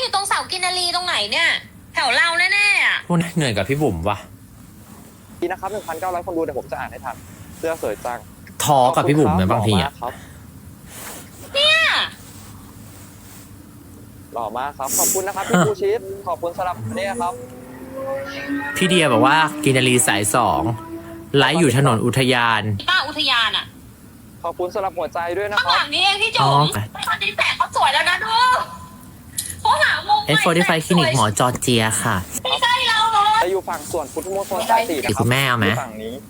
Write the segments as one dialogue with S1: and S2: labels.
S1: อยู่ตรงเสากินนารีตรงไหนเนี่ยแถวเราแน่ๆอ่ะ
S2: พูดเหนื่อยกับพี่บุ๋มว่ะ
S3: ดีนะครับ 1,900 คนดูเดี๋ยวผมจะอ่านให้ทันเสื้อสวยจัง
S2: ท้อกับพี่บุ๋มนะบางทีอ่ะ
S1: เนี่ย
S3: หล่อมากครับขอบคุณนะครับพี่ภูชิตขอบคุณสำหรับนี่ครับ
S2: พี่เดียบอกว่ากินนารีสาย2ไลฟ์อยู่ถนนอุทยาน
S1: ป้าอุทยานอ่ะ
S3: ขอบคุณสำหรับหัวใจด้วยนะ
S1: ข้าง
S3: ครั
S1: ห
S3: บ
S1: ลังนี้เองพี่จุ๋
S2: อ๋อ
S1: มตอนนี้แสงเขาสวยแล้วนะดูเขาหามุม
S2: F45 คลินิกหมอจอร์เจียค่ะ
S1: ไม่ใช่เราเลย
S3: จะอยู่ฝั่งส่วนพุทธมณฑลสาย4นะค
S2: คุ
S3: รับ
S2: ณแม่เอาไหม
S3: ยู่ฝั่งนี้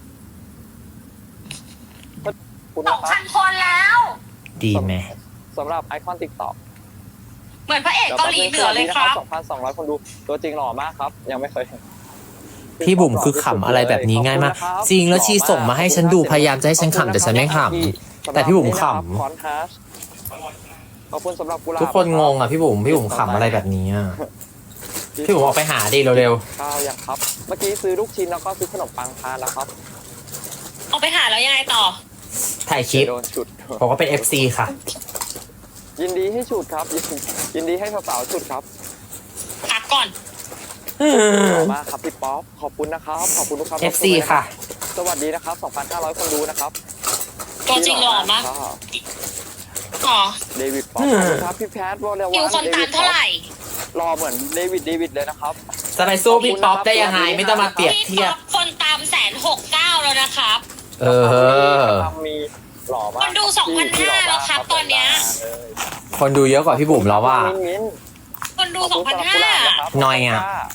S3: คุณ
S1: ส
S3: นะ
S1: อง
S3: ครั
S1: พั
S3: บ
S1: นคนแล้ว
S2: ดีไหม
S3: สำหรับไอคอนติ๊กต็อก
S1: เหมือนพระเอกเกาหลีเหนือเลยครับ
S3: 2,200 คนดูตัวจริงหล่อมากครับ ยังไม่เคยเห็น
S2: พี่บุ๋มคือขำอะไรแบบนี้ง่ายมาก จริงแล้วชีส่งมาให้ฉันดูพยายามจะให้ฉันขำแต่ฉันไม่ขำแต่พี่บุ๋มข
S3: คอนฮาร์ชขอบคุณสำหรับกุหลา
S2: ำ
S3: บ
S2: ทุกคนงงอ่ะพี่บุ๋มขำอะไรแบบนี้อ่ะพี่บุ๋มออกไปหาดิเร็ว
S3: ข้าวยังครับ เมื่อกี้ซื้อลูกชิ้นแล้วก็ซื้อขนมปังทานแล้วครับ
S1: ออกไปหาแล้วยังไงต่อ
S2: ๆถ่ายคลิป
S3: โดนฉุด
S2: บอกว่าเป็น FC ค่ะ
S3: ยินดีให้ฉุดครับ ยินดีให้สาวๆฉุดครับ
S1: พักก่อน
S3: ขอบคุณมากครับพี่ป๊อปขอบคุณนะครับขอบคุณทุกครับ
S2: FC ค่ะ
S3: สวัสดีนะครับ 2,500 คนดูนะครับ
S1: ตัวจริงหล่อมากอ๋อ
S3: เดวิดป๊อปขอบคุณครับพี่แพทวอลเลวั
S1: คิวคนตามเท่าไหร่
S3: รอเหมือนเดวิดเลยนะครับ
S2: จะไปสู้พี่ป๊อปได้ยังไงไม่ต้องมาเปรียบ
S1: พี่
S2: เทีย
S1: ป๊
S2: บ
S1: อปคนตาม169แล้วนะครับ
S2: เออ
S3: มีหล่อมาก
S1: คนดู2,500แล้วครับตอนเนี้ย
S2: คนดูเยอะกว่าพี่บุ๋มแล้วว่า
S3: มิ้น
S1: คนดู
S3: ขอบคุณสำหรับกุหลาบนะครับ
S2: น้อยอะ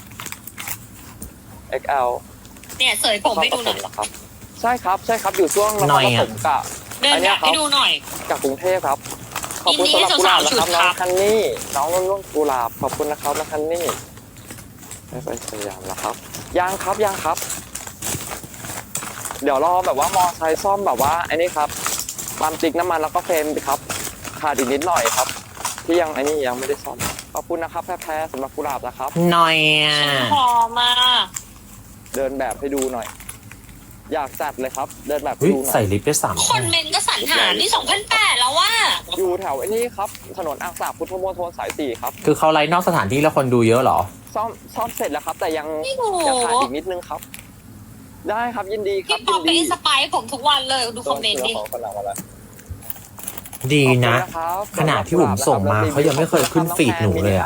S3: XL
S1: เนี่ยเสยผมให้ดูหน่อย
S3: ครับใช่ครับอยู่ช่วงน
S2: หน่
S3: ค
S2: อย
S3: รป
S2: อะ
S3: ฐมกับ
S1: เดินแบบให้ดูหน่อย
S3: กับกรุงเทพครับ ขอบคุณสำหรับกุหลาบนะครับน้องคันนี่น้องรุ่นกุหลาบขอบคุณนะครับน้องคันนี่ไม่ไปสยามแล้วครับยังครับ เดี๋ยวรอแบบว่ามอไซค์ซ่อมแบบว่าไอ้นี่ครับปั๊มติ๊กน้ำมันแล้วก็เฟรมครับขาดอีกนิดหน่อยครับ ที่ยังไอ้นี่ยังไม่ได้ซ่อมขอบคุณนะครับแพ้สำหรับกุหลาบนะครับ
S2: หน่อยอ่ะ
S1: พอมาก
S3: เดินแบบให้ดูหน่อย อยากจัดเลยครับ เดินแบบให้
S2: เฮ้ย
S3: ดูหน่
S2: ใส่
S3: อย
S2: ลิปได้3
S1: คนเมนก็สรรหานี่2,800แล้วว่า
S3: อยู่แถวไอ้นี่ครับถนนอ่างสาพุทธมณฑลสาย4ครับ
S2: คือเขาไลฟ์นอกสถานที่แล้วคนดูเยอะเหรอ
S3: ซ่อมเสร็จแล้วครับ แต่ยัง
S1: ไม่รู้
S3: ขาดอีกนิดนึงครับ ได้ครับยินดีครับ
S1: พี่ป๊อป
S3: ยิน
S1: ไป
S3: ดี
S1: อินสปายผมทุกวันเลยดูคอมเมนต์ดิ
S3: คนหลังมาแล้ว
S2: ดีนะ
S3: ขอบคุณครับ
S2: ขนาดพี่บุ๋มส่งมาเขายังไม่เคยขึ้นฟีดหนูเลยอะ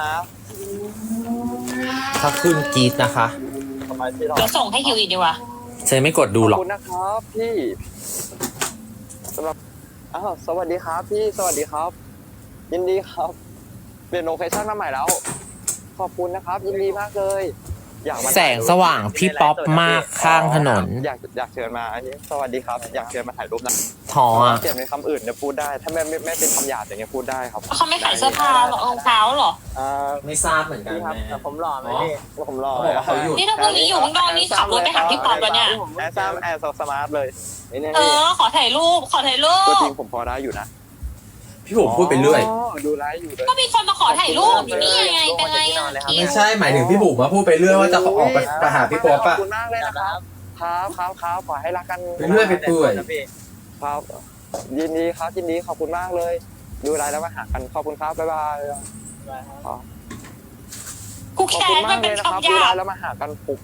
S2: ถ้าขึ้นกรีดนะคะ
S3: ทำไมที่เรา
S1: เดี๋ยวส่งให้คิวอีกดีกว่า
S2: ฉันไม่กดดูหร
S3: ข
S2: อ
S3: อก บคุณนะครับพี่สำหรับสวัสดีครับพี่สวัสดีครับ ยินดีครับเปลี่ยนโลเคชั่นมาใหม่แล้ว ขอบคุณนะครับ ยินดีมากเลยอยากมา
S2: แสงสว่างพี่ป๊อปมากข้างถนน
S3: อยากเชิญมาอันนี้สวัสดีครับ อยากเชิญมาถ่ายรูปนะ
S2: ท้ออ่ะ
S3: เปลี่ยนเป็นคำอื่นเนี่ยพูดได้ ถ้าไม่เป็นคำหยาบอย่างเงี้ยพูดได้ครับ
S1: เขาไม่ขายเสื้อผ้ารองเท้าเหรอ
S2: ไม่ทราบเหมือนกัน
S3: พี่ครับ
S2: แม่
S3: แต่ผมหล่อไหมพี่ผมหล่อ
S2: เขาบอกว่าเขาอยู่
S1: นี่ถ้าพรุ่งนี้อยู่ข้างนอกนี่ขับรถไปหาพี่ป๊อปแล้วเนี่ย
S3: แอร์ซัมแอร์สมาร์ทเลยนี่
S1: เออ ขอถ่ายรูป
S3: ตัวจริงผมพอได้อยู่นะ
S2: พี่บุ๋มพูดไปเรื่อย
S3: ดูไลฟ์อยู่เลย
S1: ก็มีคนมาขอถ่ายรูปอยู่นี่ยังไง เป็นไงอ่ะ
S2: ไม่ใช่หมายถึงพี่บุ๋มมาพูดไปเรื่อยว่าจะออกไปหาพี่ป๊อป
S3: ขอ
S2: อะ
S3: บคุณมากเลยนะครับครับขอให้รักกัน
S2: ไปเรื่อยไปเปื่อย
S3: ครับยินดีครับยินดีขอบคุณมากเลย ดูไลฟ์แล้วมาหากันขอบคุณครับบ๊ายบายครับ
S1: กู
S3: ขอบ
S1: แค้
S3: คุณ
S1: น
S3: มา
S1: มั
S3: ก
S1: น
S3: เล
S1: เป็น
S3: ยนะครับ
S1: คำห
S3: ดู
S1: ยา
S3: ไล
S1: บ
S3: ฟ์แล้วมาหากันปุก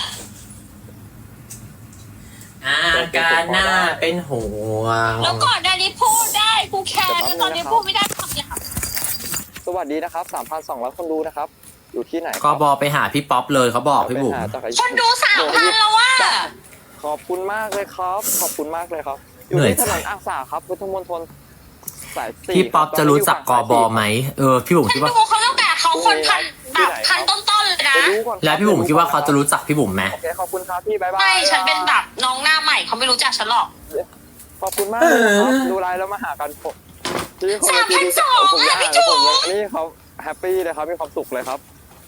S2: อาการหน้าเป็นห่วง
S1: แล้วก่อนหน้านี้พูดได้ กูแค้นแล้วตอนนี้พูดไม่ได้คำหยาบ
S3: สวัสดีนะครับ 3,200 คนดูนะครับ อยู่ที่ไหน
S2: กบไปหาพี่ป๊อปเลยเขาบอกพี่บุ๋ม
S1: คนดู3,000แล้วว่า
S3: ขอบคุณมากเลยครับ ขอบคุณมากเลยครับ อยู่
S2: เหนื่อย
S3: ที่ถนนอ่างสาครับพุทธมณฑลสาย4
S2: พี่ป๊อปจะรู้จักกบไหมพี่บุ๋ม
S1: ฉั
S2: คิ
S1: น
S2: ดว่า
S1: ดูเขาตั้งแต่เขาคนพันแบบพันต้นๆเลยนะ
S2: แล้วพี่บุ๋มคิดว่าเขาจะรู้จักพี่บุ๋มไหม
S3: โอเคขอบคุณครับพี่บ๊ายบาย
S1: ไม่ ฉันเป็นแบบน้องหน้าใหม่เขาไม่รู้จักฉันหรอก
S3: ขอบคุณมากเลยนะครับดูไลน์แล้วมาหากันผมที่คนละที่ผมอยากผมนี่เขาแฮปปี้เลยครับมีความสุขเลยครับ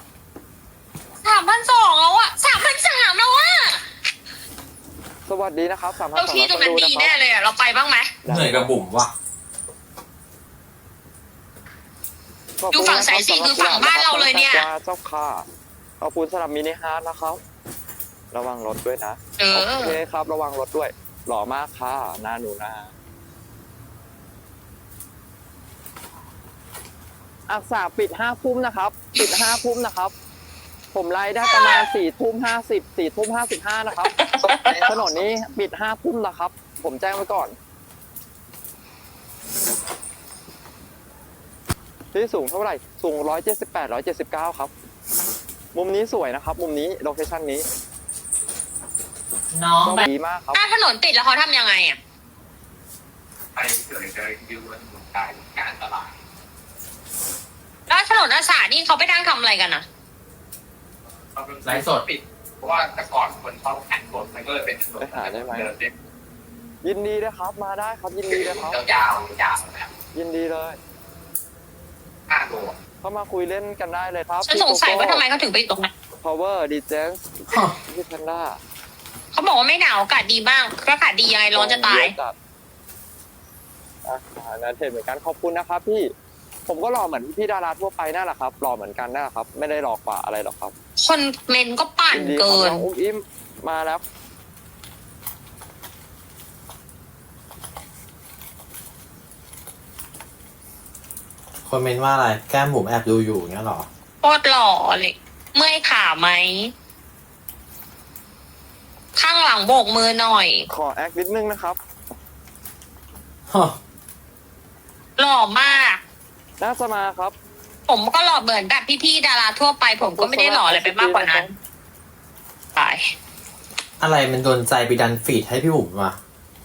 S1: 3,200แล้วอะ3,300แล้วอะ
S3: สวัสดีนะครับ3,200
S1: เราที่ตรงนั้น
S3: ค
S1: ดี
S3: ดู
S1: แน่
S3: นะครับ
S1: เลยอะเราไปบ้างไหม
S2: เหนื่อยกับบุ๋มว่ะ
S1: ดูฝั่งสายสี่คือฝั่งบ้านเราเลยเนี่ย
S3: เจ้าค่ะขอบคุณสำหรับมินิฮาร์ดนะครับ ระวังรถด้วยนะ
S1: เออ
S3: โอเคครับระวังรถด้วยหล่อมากค่ะหน้าหนูนะอักษาปิด5 ทุ่มนะครับ ปิด5 ทุ่มนะครับ ผมไลฟ์ได้ประมาณ4 ทุ่ม 50 4 ทุ่ม 55นะครับถนนนี้ปิด5 ทุ่มนะครับ ผมแจ้งไว้ก่อนที่สูงเท่าไหร่สูง178 179ครับ มุมนี้สวยนะครับ มุมนี้โลเคชั่นนี้
S2: น้องแบบ
S3: ดีมากครับ
S1: ถ้าถนนติดแล้วเขาทำยังไงอ่ะ
S4: ไปเกิดจะยืนการตลาด
S1: แล้วถนนอาสานี่เขาไปนั่งทำอะไรกันอ่ะ
S2: ไลฟ์สด
S4: ปิดเพราะว่าแต่ก่อนคนชอบแข่งรถมันก็เลยเป็นถนน
S3: ไปหาได้ไหม
S4: เดินเล่น
S3: ยินดีเลยครับ มาได้ครับ ยินดีเลยครับ
S4: ยาวๆนะครับ
S3: ยินดีเลย
S4: 5 โล
S3: เข้ามาคุยเล่นกันได้เลยครับ
S1: ฉันสงสัยว่าทำไมเขาถึงไปอยู่ตรงนั้น
S3: power d j พี่แพนด้า
S1: เขาบอกว่าไม่หนาวอากาศดีมากอากาศดียังไงร้อนจะตาย
S3: นะเทรดเหมือนกันขอบคุณนะครับพี่ ผมก็รอเหมือนพี่ดาราทั่วไปนั่นแหละครับรอเหมือนกันนั่นแหละครับ ไม่ได้รอกว่าอะไรหรอกครับ
S1: คนเมนก็ปั่น
S3: ยินดีค
S1: เกิ
S3: รับ
S1: น
S3: น้องอุ้มอิ่มมาแล้ว
S2: คนเมนว่าอะไรแก้มบุ๋มแอบดูอยู่เงี้ยหรอ
S1: โคตรหล่อเลยเมื่อยขาไหม ข้างหลังโบกมือหน่อย
S3: ขอแอคนิดนึงนะครับ
S1: หล่อมาก
S3: น่าจะมาครับ
S1: ผมก็หล่อเหมือนแบบพี่ๆดาราทั่วไป ผมก็ไม่ได้หล่ออะไรไปมากกว่านั้นตาย
S2: อะไรมันโดนใจไปดันฟีดให้พี่บุ๋มวะ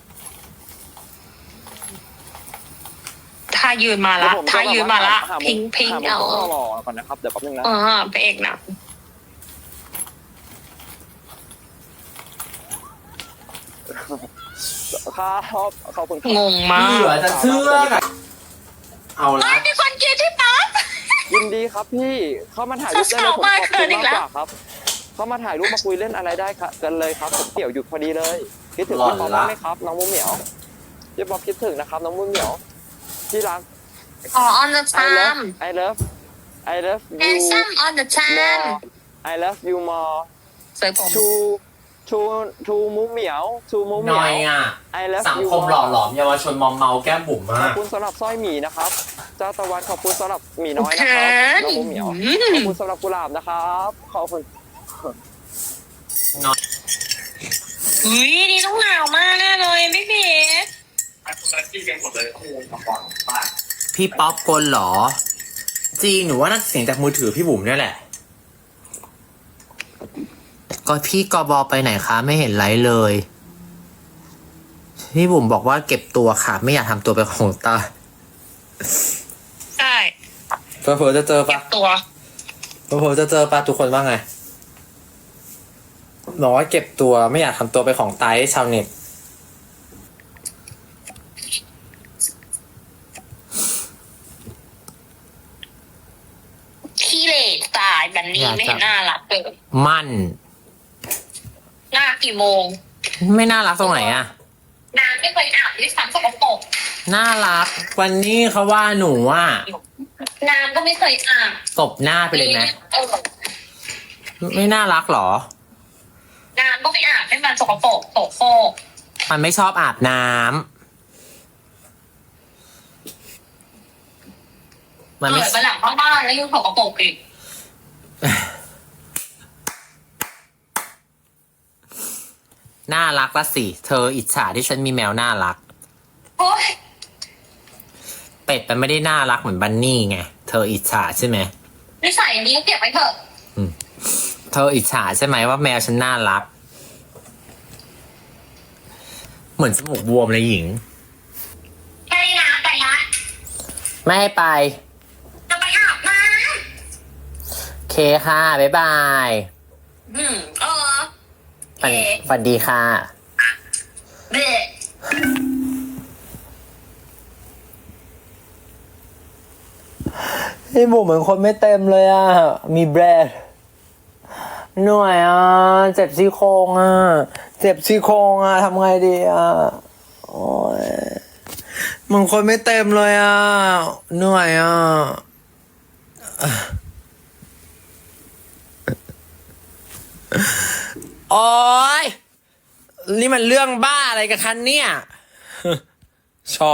S1: ถ้ายืนมาละ
S3: เดี๋ยวผม
S1: ถ้ายืนมาละ
S3: หมุม
S1: พิงพิง
S3: หา
S1: เอา
S3: มุมรอก่อนนะครับเดี๋ยวแป๊บนึงนะ
S1: พระเอกหนะ
S3: ครับขอบคุณครับ
S1: งงมาก
S2: เหลือจะเชื่ออะเอา
S1: ไม่
S2: ละ
S1: มีคนกินที่ปั๊บ
S3: ยินดีครับพี่เข้ามาถ่ายรูปได้เลยผมขอบ
S1: สาวๆมา
S3: คุ
S1: เกิ
S3: ณ
S1: นอี
S3: มาก
S1: กแล้ว
S3: กว่าครับ เข้ามาถ่ายรูปมาคุยเล่นอะไรได้ครับกันเลยครับผมเดี่ยวหยุดพอดีเลยคิดถึงพี่ป๊อปบ้างไหมครับน้องมุ้งเหมียวพี่ป๊อปคิดถึงนะครับน้องมุ้งเหมียวที่รัก
S1: อ๋อ on the time
S3: I love I love you
S1: handsome on the time
S3: more I love you more
S1: สวยผม
S3: to มุ้งเหมียว to มุ้งเห
S2: ห
S3: มี
S2: น่
S3: ย
S2: อยว อ่ะ
S3: I love
S2: สัง
S3: you
S2: คมหล่อหลอมเยาวชนมอมเมาแก้มบุ๋ม
S3: ข
S2: มา
S3: อบ
S2: ก
S3: คุณสำหรับสร้อยหมีนะครับเจ้าตะวันขอบคุณสำหรับหมีน้อยนะครับน้องมุ้งเหมียวขอบคุณสำหรับกุหลาบนะครับขอบคุณ
S1: อุ้ยนี่ต้องหนาวมากแน่เลยไม่ผิด
S4: คนละที่กันหมดเลยข้อมูลมาก่อนบ้าน
S2: พี่ป๊อปกลเหรอ จริงหนูว่าน่าจะเสียงจากมือถือพี่บุ๋มเนี่ยแหละ ก็พี่กบไปไหนคะไม่เห็นไลฟ์เลย พี่บุ๋มบอกว่าเก็บตัวค่ะ ไม่อยากทำตัวเป็นของตา
S1: ใช่
S2: เผื่อจะเจอ
S1: เก็
S2: ปะ
S1: บตัว
S2: เผื่อจะเจอปะทุกคนว่าไงบอกว่าเก็บตัวไม่อยากทำตัวเป็นของตายให้ชาวเน็ต
S1: ขี้เหร่ตายแบบนี้ไม่เห็นน่ารักเลย
S2: มั่น
S1: หน้ากี่โมง
S2: ไม่น่ารักตรงไหนอะ
S1: นางไม่เคยอาบด้วยซ้ำสกปรก
S2: น่ารัก วันนี้เขาว่าหนูอ่ะ
S1: นางก็ไม่เคยอาบ
S2: ตบหน้าไปเลยไหม
S1: เออ
S2: ไม่น่ารักหรอ
S1: นางก็ไม่อาบให้มันสกปรกโสโครก
S2: มันไม่ชอบอาบน้ำมันไม่
S1: เกิดมาหลังบ้านแล้วยังสกปรกอีก
S2: น่ารักละสิ เธออิจฉาที่ฉันมีแมวน่ารัก
S1: โอ๊ย
S2: เป็ดมันไม่ได้น่ารักเหมือนบันนี่ไง เธออิจฉาใช่ไหม
S1: นิสัยนี้เก็บไว้เถอะ
S2: เธออิจฉาใช่ไหมว่าแมวฉันน่ารัก เหมือนจมูกบวมเลยหญิง
S1: แค่นี้นะไปละ
S2: ไม่ให้ไป
S1: จะไปอาบน้
S2: เคค่ะ บ๊ายบาย
S1: ำเออ
S2: ฝันดีค่ะ
S1: เบะ
S2: พี่บุ๋มเหมือนคนไม่เต็มเลยอ่ะ มีแบรนด์เหนื่อยอ่ะ เจ็บซี่โครงอ่ะ เจ็บซี่โครงอ่ะทำไงดีอ่ะ โอ้ยเหมือนคนไม่เต็มเลยอ่ะ เหนื่อยอ่ะ โอ้ยนี่มันเรื่องบ้าอะไรกันคะเนี่ย